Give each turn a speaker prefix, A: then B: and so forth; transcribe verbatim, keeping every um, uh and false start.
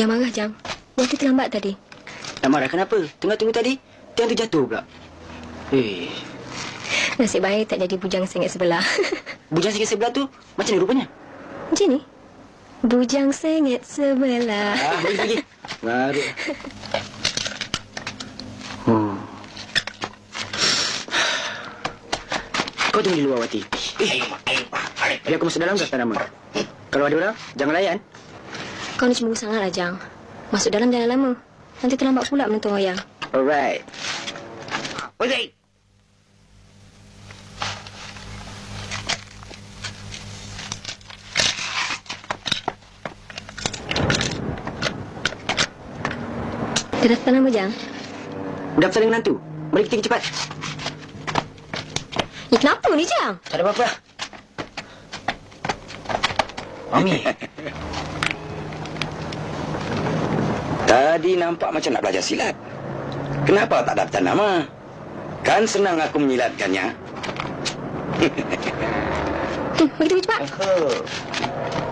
A: Jangan marah, Jang. Waktu terlambat tadi.
B: Nak marah kenapa? Tengah tunggu tadi, tiang tu jatuh pula. Eh,
A: Nasib baik tak jadi bujang sengit sebelah.
B: bujang sikit sebelah tu macam ni rupanya?
A: Macam ni? Bujang sengit sebelah.
B: Ah, pergi, pergi. Baru. Hmm. Kau tunggu di luar, Wati. Eh, biar aku masuk dalam kata nama. Kalau ada orang, jangan layan.
A: Kau ni cemburu sangatlah, Jang. Masuk dalam jangan lama. Nanti terlambat pula menonton wayang.
B: Alright.
C: Wazir.
A: Dah daftar nama, Jang?
B: Daftar dengan hantu. Mari kita pergi cepat.
A: Eh, kenapa ni, Jang?
B: Tak ada apa-apa.
C: Mami. Tadi nampak macam nak belajar silat. Kenapa tak daftar nama? Kan senang aku menyilatkannya.
A: Hmm, mari kita pergi cepat.
C: Oh.